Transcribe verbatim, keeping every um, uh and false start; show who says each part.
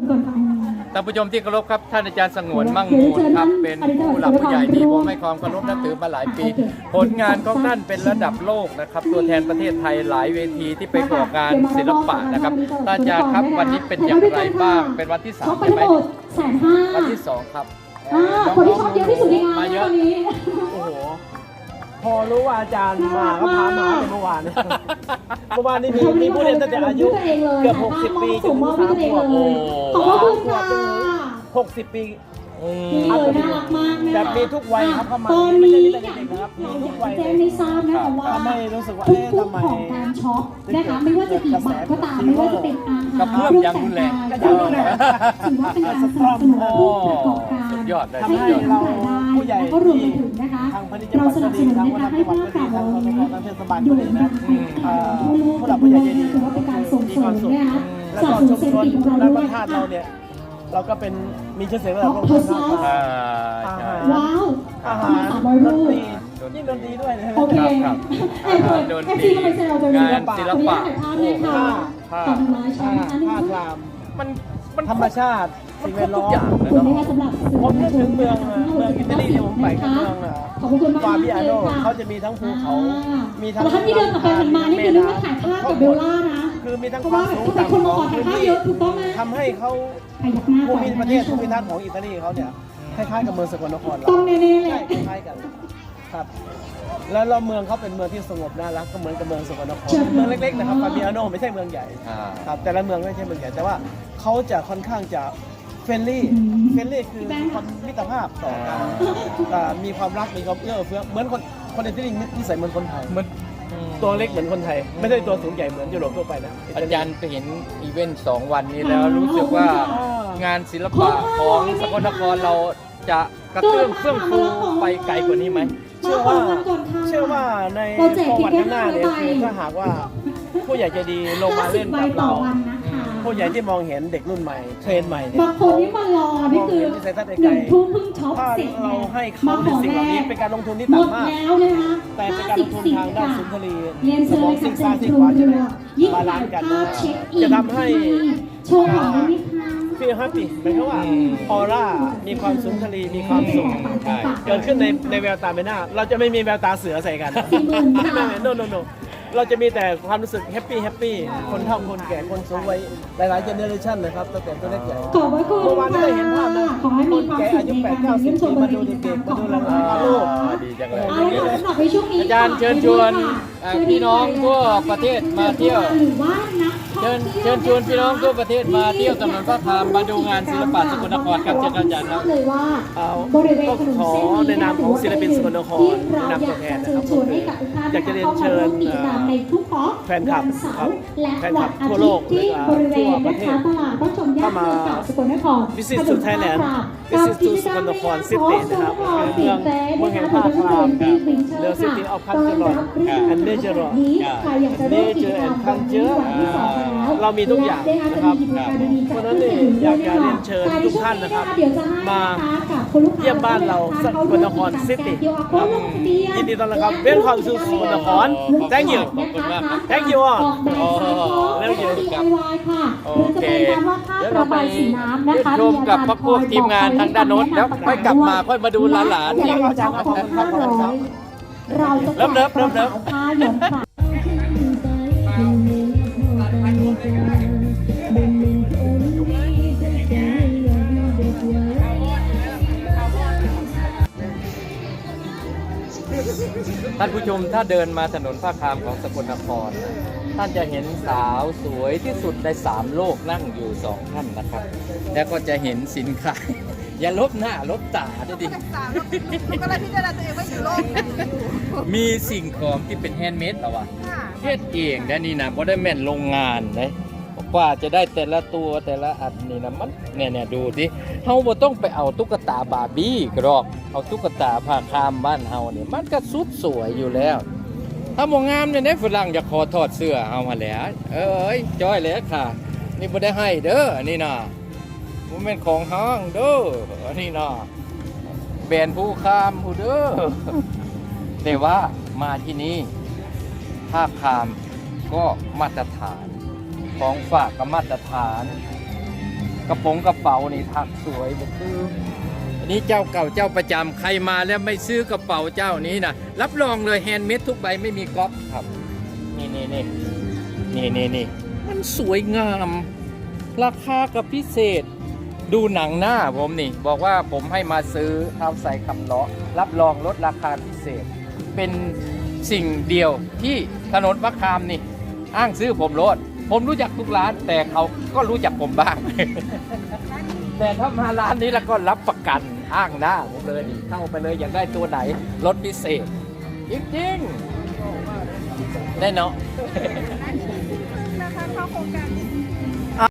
Speaker 1: ท่านผู้ชมที่เคารพครับท่านอาจารย์สงวนมั่งมูลครับเป็นผู้หลักผู้ใหญ่ที่ผมให้ความเคารพนับถือมาหลายปีผลงานของท่านเป็นระดับโลกนะครับตัวแทนประเทศไทยหลายเวทีที่ไปก่องานศิลปะนะครับท่านอาจารย์ครับวันนี้เป็นอย่างไรบ้างเป็นวันที่สามใช่ไหมวันที่สองครับ
Speaker 2: คนที่ชอบเยอะที่สุดในงานตอนนี้
Speaker 3: โอ้โหพอรู้ว่าอาจารย์มาก็พามาเมื่อวานเมื่อวานนี้มีมีผู้เรียนตั้งแต่อายุเกือบหกสิบปีจนถึงสามขวบ
Speaker 2: ขอบคุณค่ะ
Speaker 3: หกสิบปี
Speaker 2: น่ารักมากนะ
Speaker 3: แบบมีทุกวัยครับเข้ามา
Speaker 2: ตอนนี้นะครับ
Speaker 3: มีทุกวัย
Speaker 2: แจ้งไม่ทราบนะคะว่า
Speaker 3: ไม่รู้สึกว่า
Speaker 2: ทุกทุกของการช็อปนะคะไม่ว่าจะกี่บาทก็ตามไม่ว่าจะเป็นอาหารเครื่องแต่งกายถือว่าเป็นการสนับสนุนผู้ประกอบการให้เกิดรายได้แล้วก็รวมไปถึงนะคะเราสนับสนุนนะคะให้ภาคการเราอยู่ในการทั่วโลกถือว่าเป็นการส่งเสริมนะคะสนับสนุนเศรษฐกิจของเราด้วย
Speaker 3: ค่ะเราก็เป็นมีชื่อเสียงระดับโลก
Speaker 2: ว้าว
Speaker 3: อาหารดนตรียิ่งดนตรีด้วยนะ
Speaker 2: โอเค
Speaker 1: ดนตรีงานศิลปะ
Speaker 2: ผ้า
Speaker 3: ผ้าผ้าคลาม
Speaker 1: มันมัน
Speaker 3: ธรรมชาติสิ่งแวดล้อม
Speaker 2: คุณนะคะสำหรับ
Speaker 3: ผมนึกถึงเมืองเมืองอิตาลีที่ผมไปกับเมืองฟาบิอาโนเขาจะมีทั้งภูเขามีทั้ง
Speaker 2: ท่านที่เดินกลับไปหันมานี่คือเรื่องถ่ายภาพกับเบลล่านะ
Speaker 3: คือมีทั้งความสูงต่ำของพื้นที่ทำให้เขาภูมิประเทศภูมิทัศน์ของอิตาลีเขาเนี่ยคล้ายๆกับเมืองสกลนครเรา
Speaker 2: ตรงนี้แหละ
Speaker 3: คล้ายๆกันครับแล้วเราเมืองเขาเป็นเมืองที่สงบน่ารักก็เหมือนกับเมืองสกลนครเมืองเล็กๆนะครับฟาบิอาโนไม่ใช่เมืองใหญ่ครับแต่ละเมืองไม่ใช่เมืองใหญ่แต่ว่าเขาจะค่อนข้างจะเฟรนลี่เฟรนลี่คือความมิตรภาพต่อกันมีความรักมีความเอื้อเฟื้อเหมือนคนคนอิตาลีนิสัยเหมือนคนไทยเหมือนตัวเล็กเหมือนคนไทยไม่ได้ตัวสูงใหญ่เหมือนยุโรปทั่วไปนะ
Speaker 1: อาจารย์ไปเห็นอีเวนต์สองวันนี้แล้วรู้สึกว่างานศิลปะของสกลนครเราจะกระเตื้องเฟื่องฟูไปไกลกว่านี้ไหม
Speaker 3: เชื่อว่าเชื่อว่าในประวัติข้างหน้าเนี่ยคือถ้าหากว่าผู้ใหญ่ใจดีลงมาเล่นกับเราผู้ใหญ่ที่มองเห็นเด็กรุ่นใหม่เทรนใหม่เนี่ย
Speaker 2: บางคนที่มารอนี่คือหนึ่งทุ่มเพิ่งช็อปเสร็จ
Speaker 3: เราให้เขาในสิ่งเหล่านี้เป็นการลงทุนที่ต่ำมากแต่เป็นการลงทุนทางด้านสุนทรีย์สมองสิ่งสร้างสิ่งขวาจะได้บาลานซ์กันจะทำให้
Speaker 2: โชว์หน่อยนิดนึง
Speaker 3: ฟีลแฮปปี้หมายความว่าออร่ามีความสุนทรีมีความสุขเกิดขึ้นในในแววตาใบหน้าเราจะไม่มีแววตาเสือใส่กันไม่ไม่โนโนโนเราจะมีแต่ความรู้สึกแฮปปี้แฮปปี้คนเฒ่าคนแก่คนสูงวัยหลายๆเจเนอเรชันนะครับตั้งแต่ตัวเล็กใหญ่
Speaker 2: ขอบคุณ
Speaker 3: เมื่อวานได้เห็นภาพนะคนแก่อายุแปดเก้าสิบปีมาดูเด็กๆมาดูหลานๆลูก
Speaker 1: ดีจังเลยอาจารย์เชิญชวนพี่น้องทั่วประเทศมาเที่ยวเชิญเชิญชวนพี่น้องทั่วประเทศมาเที่ยวถนนพระพามมาดูงานศิลปะสกลนครครับเชิญอาจารย์ครับ
Speaker 3: เอาก็ขอในนามของศิลปินสกลนครในนามตัวแทนนะครับอยากจะเรียนเชิญแฟนคลับครับแฟนคลับทั่วโลกและทั่วประเทศเข้ามา Visit to Thailand Visit to สกลนคร City นะครับเมืองเมืองแห่งภาคคลาม The City of Culture and Nature Nature and Culture เรามีทุกอย่างนะครับเพราะฉะนั้นเนี่ยอยากจะเรียนเชิญทุกท่านนะครับมาเยี่ยมบ้านเราสกลนคร City ยินดีต้อนรับครับเวลคัมสู่สกลนคร Thank you Thank you all
Speaker 1: แล้วอยู่กับโอเคเดี๋ยวเราไปชมกับพวกพวกทีมงานทางด้านโน้นแล้วค่อยกลับมาค่อยมาดูหลานๆอีกเริ่มเริ่มเริ่มเริ่มท่านผู้ชมถ้าเดินมาถนนผ้าคามของสกลนครท่านจะเห็นสาวสวยที่สุดในสามโลกนั่งอยู่สองท่านนะครับแล้วก็จะเห็นสินค้าอย่าลบหน้าลบตาด้วยดิ
Speaker 4: ก็เลยพิจารณาตัวเองว่าอยู่โลก
Speaker 1: มีสิ่งของที่เป็นแฮนด์เมดเหรอวะเฮ็ดเองนะนี่นะเพราะได้แม่นโรงงานเลยกว่าจะได้แต่ละตัวแต่ละอันนี่นะมันเนี่ยเนี่ยดูดิเฮาบ่ต้องไปเอาตุ๊กตาบาร์บี้กรอกเอาตุ๊กตาผ้าคามบ้านเฮาเนี่ยมันก็สุดสวยอยู่แล้วถ้าบ่งามเนี่ยฝรั่งจะขอถอดเสื้อเอามาแล้วเอ้ยจ้อยแล้วค่ะนี่บ่ได้ให้เด้อนี่นะบ่แม่นของห้างเด้อนี่นะแบรนด์ผู้คามผู้เด้อแต่ว่ามาที่นี่ผ้าคามก็มาตรฐานของฝากกับมาตรฐานกระโปรงกระเป๋านี่ถักสวยแบบคืออันนี้เจ้าเก่าเจ้าประจำใครมาแล้วไม่ซื้อกระเป๋าเจ้านี้นะรับรองเลยแฮนด์เมดทุกใบไม่มีก๊อปครับนี่นี่นี่นี่นี่นี่มันสวยงามราคากับพิเศษดูหนังหน้าผมนี่บอกว่าผมให้มาซื้อเอาใส่คำล้อรับรองลดราคาพิเศษเป็นสิ่งเดียวที่ถนนมะขามนี่อ้างซื้อผมรถผมรู้จักทุกร้านแต่เขาก็รู้จักผมบ้าง แต่ถ้ามาร้านนี้แล้วก็รับประกันอ้างหน้าผมเลยนี่เข้าไปเลยอยากได้ตัวไหนลดพิเศษจริงๆได้เนาะ
Speaker 4: นะคะเข้าโครงการนี้